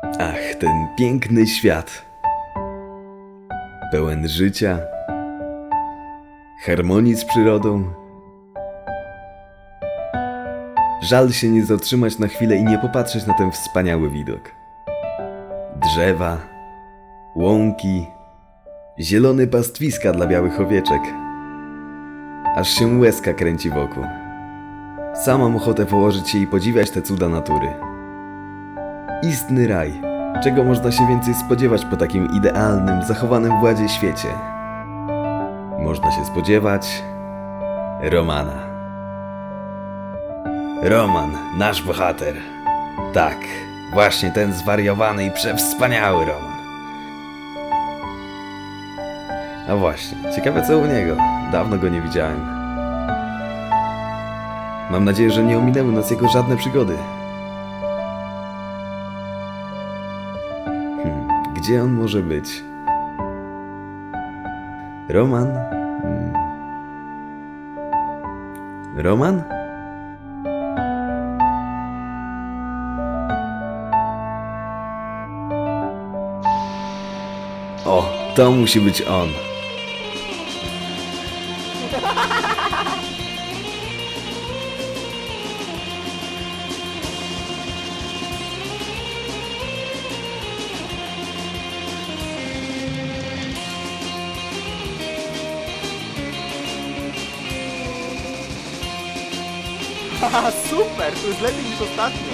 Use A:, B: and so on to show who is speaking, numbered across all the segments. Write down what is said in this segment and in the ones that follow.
A: Ach, ten piękny świat. Pełen życia, harmonii z przyrodą. Żal się nie zatrzymać na chwilę i nie popatrzeć na ten wspaniały widok. Drzewa, łąki, zielone pastwiska dla białych owieczek. Aż się łezka kręci wokół. Sam mam ochotę położyć się i podziwiać te cuda natury. Istny raj. Czego można się więcej spodziewać po takim idealnym, zachowanym w ładzie świecie? Można się spodziewać Romana. Roman, nasz bohater. Tak, właśnie ten zwariowany i przewspaniały Roman. A właśnie, ciekawe co u niego. Dawno go nie widziałem. Mam nadzieję, że nie ominęły nas jego żadne przygody. Gdzie on może być? Roman? Roman? O, to musi być on.
B: Haha, super! To jest lepiej niż ostatnio.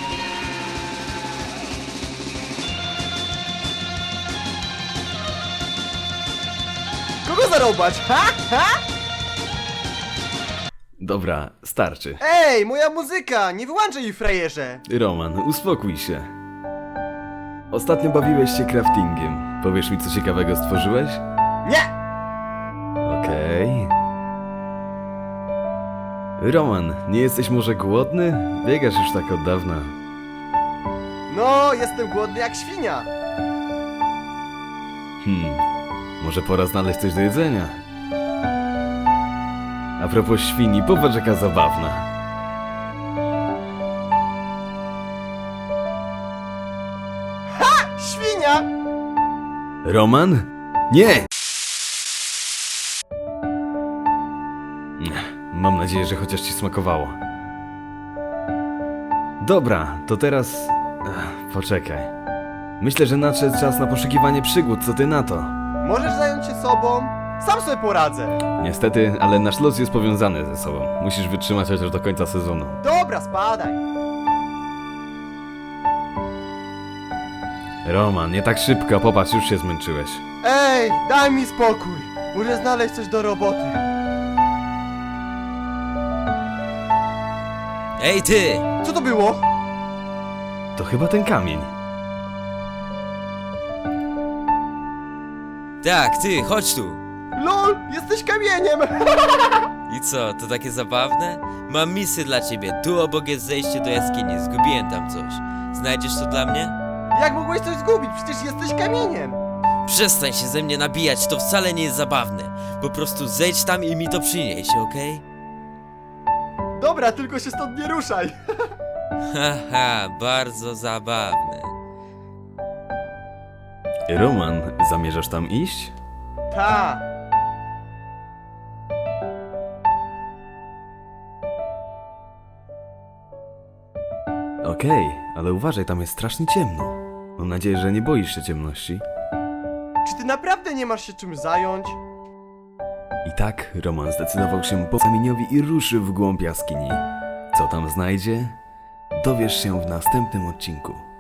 B: Kogo zarobać? Ha? Ha?
A: Dobra, starczy.
B: Ej, moja muzyka! Nie wyłączaj jej, frajerze!
A: Roman, uspokój się. Ostatnio bawiłeś się craftingiem. Powiesz mi, co ciekawego stworzyłeś?
B: Nie!
A: Okej. Roman, nie jesteś może głodny? Biegasz już tak od dawna.
B: No, jestem głodny jak świnia.
A: Może pora znaleźć coś do jedzenia. A propos świni, popatrz jaka zabawna.
B: Świnia!
A: Roman? Nie! Mam nadzieję, że chociaż ci smakowało. Dobra, to teraz... poczekaj. Myślę, że nadszedł czas na poszukiwanie przygód, co ty na to?
B: Możesz zająć się sobą? Sam sobie poradzę.
A: Niestety, ale nasz los jest powiązany ze sobą. Musisz wytrzymać chociaż do końca sezonu.
B: Dobra, spadaj.
A: Roman, nie tak szybko, popatrz, już się zmęczyłeś.
B: Ej, daj mi spokój. Muszę znaleźć coś do roboty.
C: Ej ty!
B: Co to było?
A: To chyba ten kamień.
C: Tak, ty, chodź tu!
B: LOL, jesteś kamieniem!
C: I co, to takie zabawne? Mam misję dla ciebie, tu obok jest zejście do jaskini, zgubiłem tam coś. Znajdziesz to dla mnie?
B: Jak mogłeś coś zgubić? Przecież jesteś kamieniem!
C: Przestań się ze mnie nabijać, to wcale nie jest zabawne. Po prostu zejdź tam i mi to przynieś, okej?
B: Dobra, tylko się stąd nie ruszaj!
C: Haha, bardzo zabawne.
A: Roman, zamierzasz tam iść?
B: Ta!
A: Okej, ale uważaj, tam jest strasznie ciemno. Mam nadzieję, że nie boisz się ciemności.
B: Czy ty naprawdę nie masz się czym zająć?
A: I tak Roman zdecydował się po kamieniowi i ruszył w głąb jaskini. Co tam znajdzie? Dowiesz się w następnym odcinku.